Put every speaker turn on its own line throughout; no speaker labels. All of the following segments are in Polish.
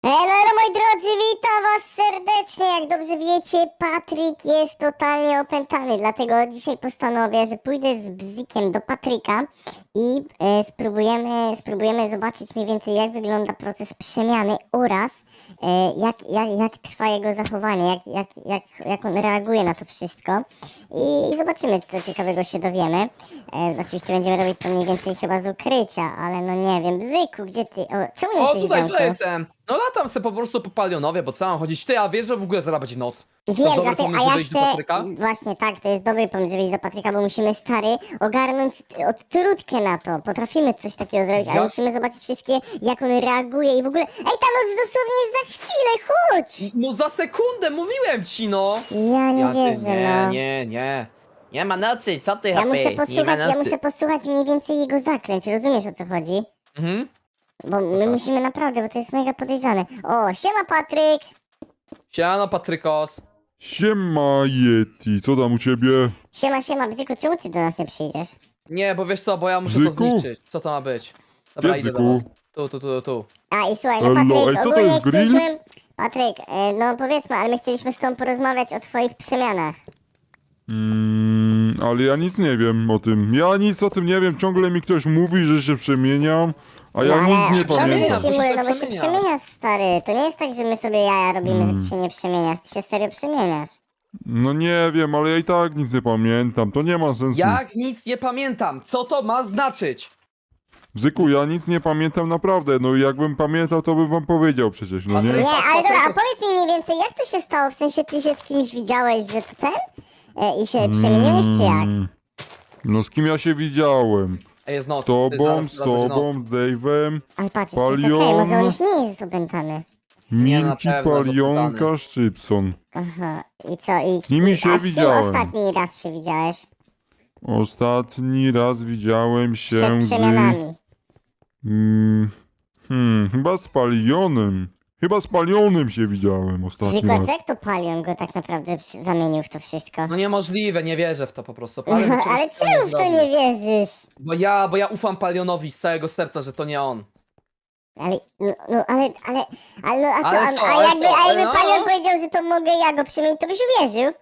Elo, moi drodzy, witam was serdecznie. Jak dobrze wiecie, Patryk jest totalnie opętany, dlatego dzisiaj postanowię, że pójdę z Bzykiem do Patryka i spróbujemy zobaczyć mniej więcej, jak wygląda proces przemiany oraz jak trwa jego zachowanie, jak on reaguje na to wszystko i zobaczymy, co ciekawego się dowiemy. Oczywiście będziemy robić to mniej więcej chyba z ukrycia, ale no nie wiem, Bzyku, gdzie ty? Czemu nie
O,
jesteś w
tutaj,
domku?
tutaj jestem. No latam se po prostu po Palionowie, bo co mam chodzić? Ty, a wiesz, że w ogóle zaraz będzie noc? To
Wiem,
dobry
dlatego,
pomysł,
a ja
żeby iść do
chcę,
Patryka?
właśnie tak, to jest dobry pomysł, żeby iść do Patryka, bo musimy, stary, ogarnąć odtrutkę na to. Potrafimy coś takiego zrobić, ale
Ja-
musimy zobaczyć wszystkie, jak on reaguje i w ogóle... Ej, ta noc dosłownie jest za chwilę, chodź!
No za sekundę, mówiłem ci, no!
Ja nie
ty,
wierzę,
nie,
no.
nie. Nie ma nocy, co ty,
Ja
hopy?
muszę
Nie ma
posłuchać, ja
nocy.
muszę posłuchać mniej więcej jego zaklęć, rozumiesz, o co chodzi?
Mhm.
Bo my
tak.
musimy naprawdę, bo to jest mega podejrzane. O, siema Patryk!
Siano, Patrykos.
Siema Yeti, co tam u ciebie?
Siema, Bzyku, czemu ty do nas nie przyjdziesz?
Nie, bo wiesz co, bo ja muszę
Bzyku?
to zniszczyć. Co to ma być? Dobra,
Gdzie
idę do
Bzyku?
was. Tu.
A i słuchaj, no
Elo,
Patryk,
ej, co to
ogólnie
jest, grill?
chcieliśmy... Patryk, no powiedzmy, ale my chcieliśmy z tobą porozmawiać o twoich przemianach.
Ale ja nic nie wiem o tym. Ja nic o tym nie wiem, ciągle mi ktoś mówi, że się przemieniam, a ja
No,
nic
ale
nie
dobrze
pamiętam.
ci
Bo się
mówię,
tak
no bo się
przemieniasz.
przemieniasz, stary. To nie jest tak, że my sobie jaja robimy, że ty się nie przemieniasz. Ty się serio przemieniasz.
No nie wiem, ale ja i tak nic nie pamiętam, to nie ma sensu.
Jak nic nie pamiętam, co to ma znaczyć?
Bzyku, ja nic nie pamiętam naprawdę, no jakbym pamiętał, to bym wam powiedział przecież, no
Patryk-
nie?
Nie, ale dobra, a
Patryk-
powiedz mi mniej więcej, jak to się stało? W sensie, ty się z kimś widziałeś, że to ten? I się przemieniłeś, czy jak?
No z kim ja się widziałem?
Ej, jest noc.
Z tobą,
Zaraz
z
będzie noc.
tobą, z Dave'em,
Ale patrz, jeszcze jest
Palion.
okej, może on już nie jest opętany.
Nie, na
Milki,
pewno
Palionka,
zapytany.
Szczypson.
Aha, i co? I,
Z nimi się
a z kim
widziałem.
ostatni raz się widziałeś?
Ostatni raz widziałem się
Przed
z...
przemianami.
Chyba z Palionem. Chyba z Palionem się widziałem ostatni
Zwykle,
raz.
jak to Palion go tak naprawdę zamienił w to wszystko?
No niemożliwe, nie wierzę w to po prostu. Palio by czegoś
Ale
takiego
czemu w to
zrobił.
nie wierzysz?
Bo ja ufam Palionowi z całego serca, że to nie on.
Ale, no, ale, no, a co,
Ale co,
a
ale
jakby,
co,
a
ale
jakby
no?
Palion powiedział, że to mogę ja go przemienić, to byś uwierzył?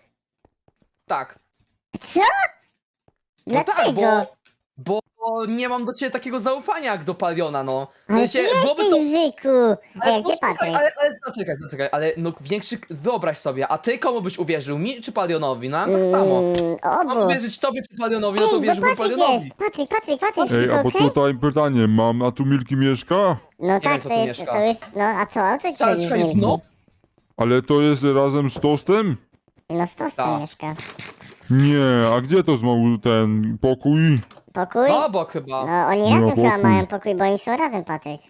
Tak.
Co?
No tak,
Dlaczego?
bo nie mam do ciebie takiego zaufania jak do Paliona, no. W
Ale ty
sensie, byłoby
jesteś
to...
Bzyku! Ej, gdzie
posłuchaj,
Patryk?
ale zaczekaj, ale no większy, wyobraź sobie, a ty komu byś uwierzył, mi czy Palionowi? No tak samo. Mam
Obu.
uwierzyć tobie czy Palionowi, no to
Ej, bo
wierzyłbym
Patryk
Palionowi.
jest! Patryk,
Ej,
wszystko
a bo
okej?
tutaj pytanie mam, a tu Milki mieszka?
No tak,
wiem, kto tu mieszka.
to jest, no a co, o co ci
Ale
chodzi z
czekaj,
Milki?
znów?
Ale to jest razem z Tostem?
No z Tostem
Tak.
mieszka.
Nie, a gdzie to znowu ten pokój?
Pokój?
No obok chyba.
No oni
Nie
razem
ma
chyba
pokój.
mają pokój, bo oni są razem, Patryk.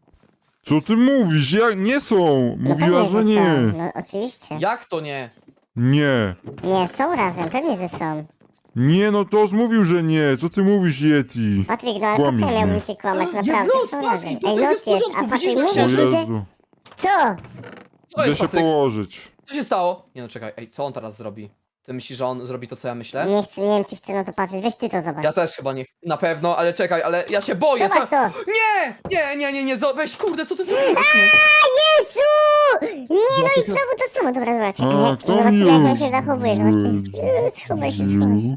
Co ty mówisz? Nie są!
No
Mówiła,
pewnie,
że nie.
są. No oczywiście.
Jak to nie?
Nie.
Nie, są razem, pewnie, że są.
Nie, no Tos mówił, że nie. Co ty mówisz, Yeti?
Patryk, no ale po co
Kłamiesz
ja miałbym
mnie.
cię kłamać?
Jest
Naprawdę,
noc,
są
Patryk,
razem.
to
Ej,
jest
noc
w
jest,
porządku,
a Patryk
widzisz, jak
mówi
się-
O
ci, że...
Jezu.
Co?
Co
Idę
jest,
się
Patryk?
położyć.
Co się stało? Nie no, czekaj, ej, co on teraz zrobi? Ty myślisz, że on zrobi to, co ja myślę?
Nie chcę, nie wiem, czy chcę na to patrzeć. Weź ty to zobacz.
Ja też chyba nie. Na pewno, ale czekaj, ale ja się boję.
Zobacz to!
Nie, weź, kurde, co ty zrobiłeś? Nie.
Jezu! Nie, no i znowu to samo. Dobra, czekaj.
kto
Zobaczymy, jak on
mi
się zachowuje. Zobaczmy. Schowaj się.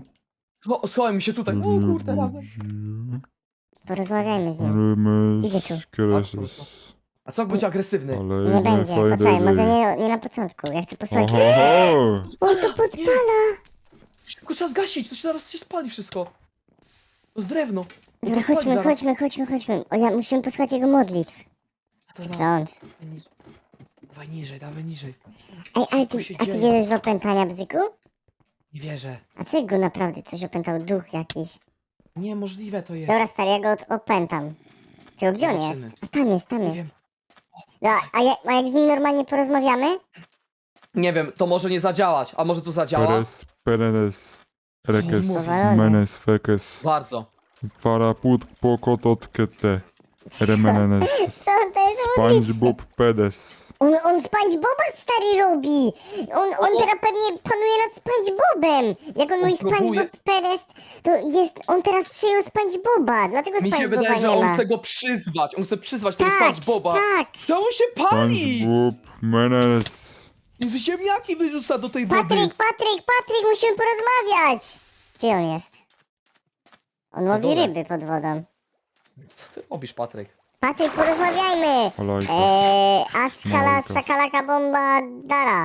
Schowaj mi się tutaj. O kurde, razem.
Porozmawiajmy z nim. Idzie tu.
Kreses.
A co jak będzie agresywny?
Ale
Nie będzie, poczekaj, może nie na początku. Ja chcę posłuchać.
Oho.
On to podpala!
Szybko trzeba zgasić, to się zaraz się spali wszystko. To jest drewno.
Dobra,
To spali zaraz.
chodźmy. O, musimy posłuchać jego modlitw.
Dobra,
Kląt.
dawaj niżej.
Ej, ale
Co się
a ty
dzieje?
wierzysz w opętania, Bzyku?
Nie wierzę.
A co jak go naprawdę coś opętał? Duch jakiś.
Niemożliwe to jest.
Dobra, stary, ja go opętam. Tylko gdzie on
Zobaczymy.
jest? A tam jest.
Nie wiem.
Dobra, a jak z nim normalnie porozmawiamy?
Nie wiem, to może nie zadziałać, a może to zadziała?
Peres, perenes, rekes,
Powalony.
menes, fekes,
Bardzo.
faraput, pokototkete, remenenes,
Co on to jest modlitwa?
SpongeBob pedes.
On SpongeBoba stary robi! On teraz pewnie panuje nad SpongeBobem! Jak on mówi
próbuje.
SpongeBob Perez, to jest... On teraz przejął SpongeBoba, dlatego
Mi się
SpongeBoba
wydaje, że
nie
on
ma.
chce go przyzwać. On chce przyzwać tego
Tak,
SpongeBoba.
tak.
To on się pali!
SpongeBob, Menes.
I ziemniaki wyrzuca do tej wody.
Patryk, musimy porozmawiać! Gdzie on jest? On łowi
dole.
ryby pod wodą.
Co ty robisz, Patryk?
Patryk, porozmawiajmy!
Olajka.
Aszkala,
Olajka.
szakalaka, bomba, dara.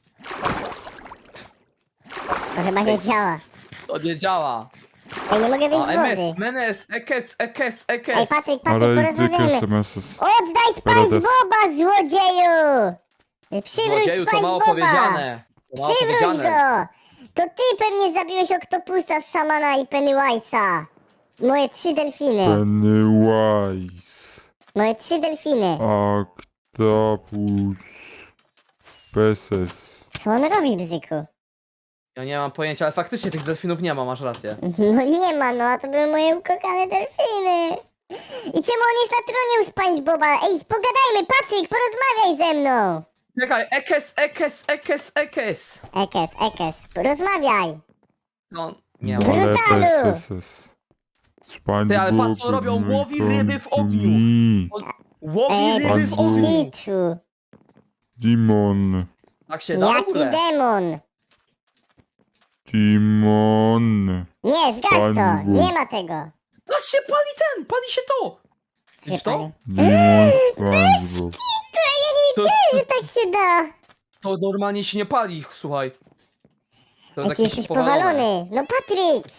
To chyba nie działa.
To nie działa.
Ej, nie mogę wyjść
O,
z
MS,
wody.
Menes, ekes.
Ej, Patryk,
Ale
porozmawiajmy.
dykie SMS-y.
Oddaj SpongeBoba, złodzieju! Przywróć
Złodzieju, to mało
SpongeBoba!
powiedziane. To mało
Przywróć
powiedziane.
go! To ty pewnie zabiłeś Oktopusa, Szamana i Pennywise'a. Moje 3 delfiny.
Pennywise.
Moje 3 delfiny.
Octopus. Peses.
Co on robi, bzyku?
Ja nie mam pojęcia, ale faktycznie tych delfinów nie ma, masz rację.
No nie ma, no a to były moje ukokane delfiny. I czemu on jest na tronie u SpongeBoba? Ej, pogadajmy, Patryk, porozmawiaj ze mną.
Czekaj, ekes.
Ekes, rozmawiaj.
No, nie ma.
Brutalu!
Peses. SpongeBob.
Ty, ale patrz, co robią,
mój
łowi ryby w ogniu.
kontuni.
Łowi ryby w
bez
ogniu.
hitu.
Dimon.
Tak się da w
Jaki
ogóle?
demon?
Timon.
Nie, zgaś to,
SpongeBob.
nie ma tego.
Patrz się, pali się to. Widzisz to?
Dimon SpongeBob.
Ja nie wiedziałem, że tak się da.
To normalnie się nie pali, słuchaj. To jest
Jaki
jakieś
jesteś
powalone.
powalony. No Patryk,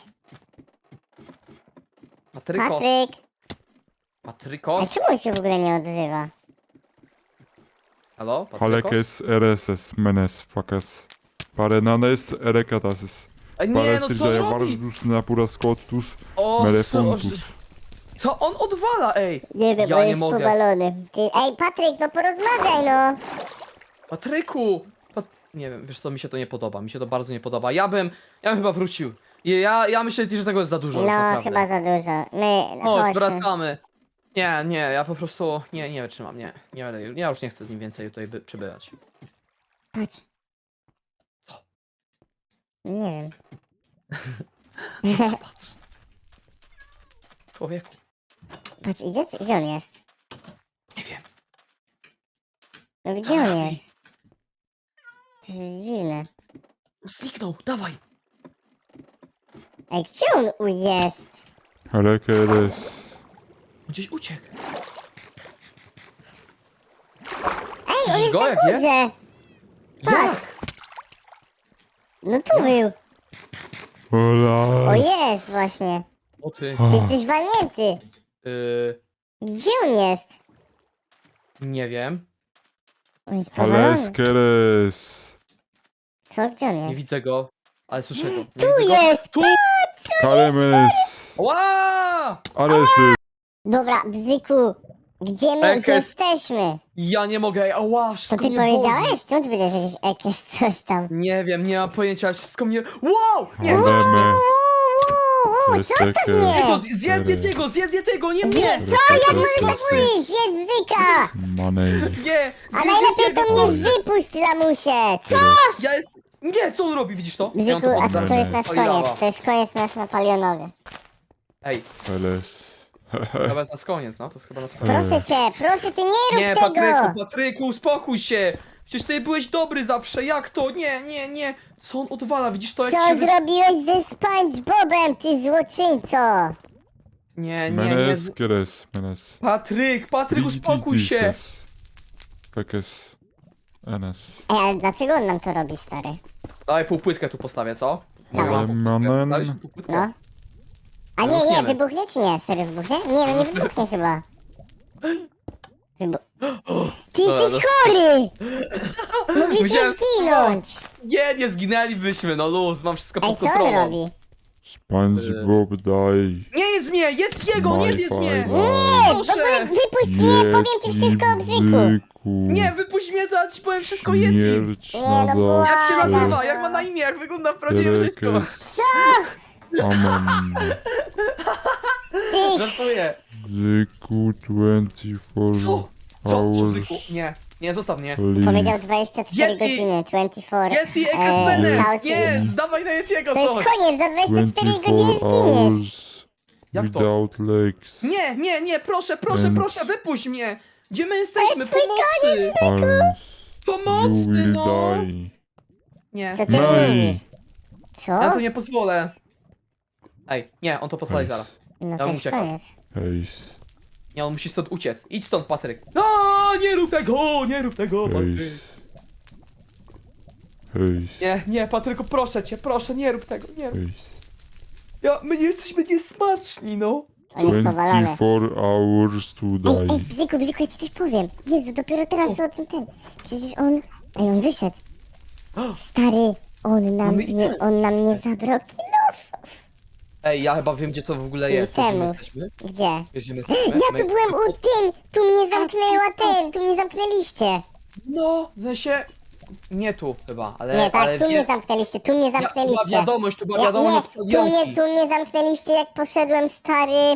Patrykos.
A
Patrykos.
czemu on się w ogóle nie odzywa?
Halo? Patrykos?
Halekes RSS Menes Fakas. Parenanes Erekatasis.
Ej, nie, no co
Parestrydżaja
on robi?
Varus Napuras Cotus
O,
Melefontus.
co on odwala, ej?
Nie wiem,
Ja
bo
nie
jest
mogę.
powalony. Ej, Patryk, no porozmawiaj, no.
Patryku! Nie wiem, wiesz co, mi się to nie podoba, mi się to bardzo nie podoba. Ja bym chyba wrócił. Ja myślę, że tego jest za dużo,
No,
naprawdę.
chyba za dużo.
Chodź,
Chodźmy.
wracamy. Nie, ja po prostu, nie wytrzymam, nie będę, ja już nie chcę z nim więcej tutaj przebywać.
Patrz. Nie wiem.
Zobacz. Człowieku,
Patrz, idzie? Gdzie on jest?
nie wiem.
No gdzie on jest? To jest dziwne.
Zniknął, dawaj.
Ej, gdzie on jest?
Halekeres.
Gdzieś uciekł.
Ej, on jest
Go,
na
jak jest?
górze! Patrz! No tu był! O
Ola.
jest właśnie!
O ty.
Ty jesteś walnięty! Gdzie on jest?
Nie wiem.
On jest powalony.
Haleskeres.
Co? Gdzie on
Nie
jest?
widzę go, ale słyszę go. Nie
Tu
widzę go.
jest!
Tu!
Kalemes.
Ła!
Aresy.
Dobra, Bzyku! Gdzie my
Ekes.
jesteśmy?
Ja nie mogę, ej, ała,
Co
wszystko
ty
mnie boli.
powiedziałeś? Czemu ty powiedziałeś jakieś ekes, coś tam?
Nie wiem, nie mam pojęcia, ale wszystko mnie... Wow! Nie!
Aleme.
Zostaw mnie!
Tego, zjedz tego, nie mnie!
Co? Jak możesz tak mówić? Jest Bzyka!
Manej.
Nie!
A najlepiej to mnie wypuść, lamusie! Co?
Ja jest... Nie, co on robi, widzisz to? Ja
Bzyku,
mam
a
poddać.
to jest nasz
Paliowa.
koniec. To jest koniec nasz napalionowy.
Ej,
Heles.
chyba jest nas koniec, no, to jest chyba nas koniec.
Proszę cię, nie rób
Nie,
tego!
Patryku, uspokój się! Przecież ty byłeś dobry zawsze, jak to? Nie. Co on odwala, widzisz to? Jak
Co
się...
zrobiłeś ze SpongeBobem, ty złoczyńco?
Nie.
Meneskeres. Menes.
Patryk, uspokój się!
Pekes. Enes.
Ej, ale dlaczego on nam to robi, stary?
Dawaj półpłytkę tu postawię, co?
Dawaj.
Manen.
Dałeś tu półpłytkę?
No. A nie,
Wybuchniemy.
wybuchnie czy nie? Serio wybuchnie? Nie, no nie wybuchnie chyba. Ty
Dobra,
jesteś chory! Mogliśmy
Musiałem
zginąć!
Nie zginęlibyśmy, no luz, mam wszystko
Ej,
pod
co on
kontrolą.
robi?
SpongeBob daj.
Nie jedz mnie, jedz jego, nie jedz mnie!
Nie, w ogóle
Proszę!
wypuść mnie, powiem ci wszystko o Bzyku!
Nie, wypuść mnie, to ja ci powiem wszystko jedz im.
Śmierć
Nie,
na
no
zawsze.
Jak się
Błagam.
nazywa, jak ma na imię, jak wygląda w prawdziwym życiu.
Herekes.
Co?
Amen.
Ty,
Żartuję.
Zyku 24
Co? Co,
hours.
Bzyku? Nie, Nie, zostaw mnie.
Powiedział 24
Yeti!
godziny, 24.
Yeti, Ekaspenem!
thousand.
Nie, zdawaj na Yetiego
To jest
coś!
koniec, za 24 godziny
24
zginiesz.
hours
Jak to?
without legs.
Nie, proszę,
And-
proszę, wypuść mnie! Gdzie my jesteśmy?
twój
Pomocy!
Arms. You
Pomocy,
will
no!
die.
Nie,
Co ty
No i-
mówisz? Co?
ja tu nie pozwolę. Ej, nie, on to podpali zaraz.
No
Ja
to
bym
jest
uciekał.
koniec.
Hejs.
Nie, on musi stąd uciec. Idź stąd, Patryk. No, nie rób tego, Patryk.
Hejs. Hejs.
Nie, Patryku, proszę, nie rób tego, nie rób.
Hejs.
My nie jesteśmy niesmaczni, no.
On jest powalony.
24 hours to
Ej,
die.
Bzyku, ja ci coś powiem. Jezu, dopiero teraz o tym ten. Przecież on... Ej, on wyszedł. Stary, on nam nie zabrał kilofów.
Ej, ja chyba wiem, gdzie to w ogóle
I
jest. Wiesz, gdzie my
temu.
jesteśmy?
Gdzie?
Wiesz, gdzie my
Ja
jesteśmy?
tu byłem u tym! Tu mnie zamknęła tu mnie zamknęliście.
No, w sensie... Nie tu chyba, ale...
Nie, tak,
ale
tu mnie
wie-
zamknęliście, tu mnie
Była
zamknęliście.
wiadomość, to była
Ja,
wiadomość
nie,
od Podjątki.
tu mnie zamknęliście, jak poszedłem, stary,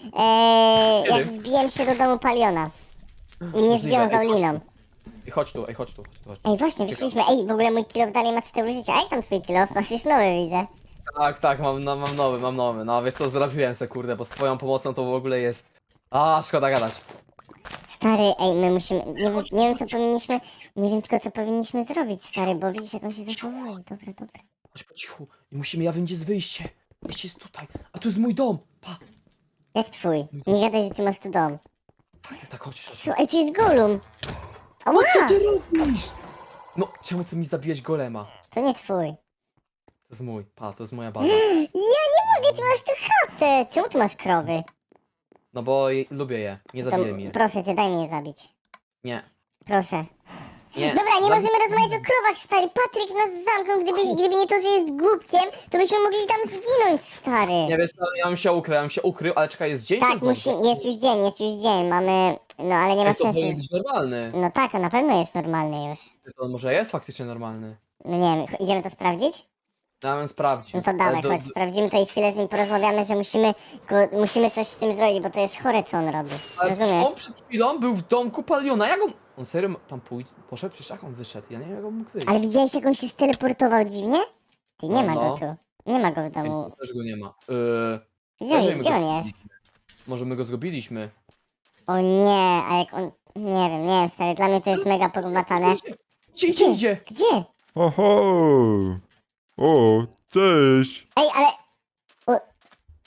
jak
Kiedy?
wbiłem się do domu Paliona. I mnie związał liną.
Ej, chodź tu, chodź tu.
Ej, właśnie, wyszliśmy. Ej, w ogóle mój kilof dalej ma 4 życia. A jak tam twój kilof? Masz już nowy, widzę.
Tak, mam nowy. No, wiesz co, zrobiłem se, kurde, bo z twoją pomocą to w ogóle jest... A, szkoda gadać.
Stary, ej, my musimy, nie wiem co powinniśmy, nie wiem tylko co powinniśmy zrobić, stary, bo widzisz jak on się zachowuje. Dobra.
Chodź po cichu. I musimy, ja wiem, gdzie jest wyjście. Wyjście jest tutaj. A tu jest mój dom. Pa.
Jak twój? Nie gadaj, że ty masz tu dom.
Tak, chodź.
Słuchaj, tu jest Golum.
Co
Ała!
ty robisz? No, czemu ty mi zabiłeś golema?
To nie twój.
To jest mój, to jest moja baza.
Ja nie mogę, ty masz tu chatę. Czemu tu masz krowy?
No bo lubię je, nie
To,
zabijaj mnie.
proszę cię, daj mi je zabić.
Nie,
Proszę.
nie.
Dobra, nie możemy rozmawiać o krowach, stary. Patryk nas zamknął. Gdyby nie to, że jest głupkiem, to byśmy mogli tam zginąć, stary.
Nie wiesz, no, ja bym się ukrył, ale czekaj, jest dzień
Tak,
czy jest noc?
jest już dzień, mamy... No, ale nie ma
Ej, to
sensu.
powinien być normalny.
No tak, a na pewno jest normalny już.
To może jest faktycznie normalny.
No nie wiem, idziemy to sprawdzić?
Ja bym sprawdził.
No to dawaj,
Ale
chodź, sprawdzimy to i chwilę z nim porozmawiamy, że musimy coś z tym zrobić, bo to jest chore, co on robi.
Ale
Rozumiesz?
on przed chwilą był w domku Paliona, jak on... On serio tam poszedł? Przecież jak on wyszedł? Ja nie wiem, jak on mógł wyjść.
Ale widziałeś, jak on się steleportował dziwnie? Ty, nie ma
No.
go tu. Nie ma go w domu.
Ej, też go nie ma.
Gdzie on jest?
Może my go zgubiliśmy.
O nie, a jak on... Nie wiem, stary, dla mnie to jest mega pogmatane.
Gdzie?
Gdzie?
Oho! O, cześć!
Ej, ale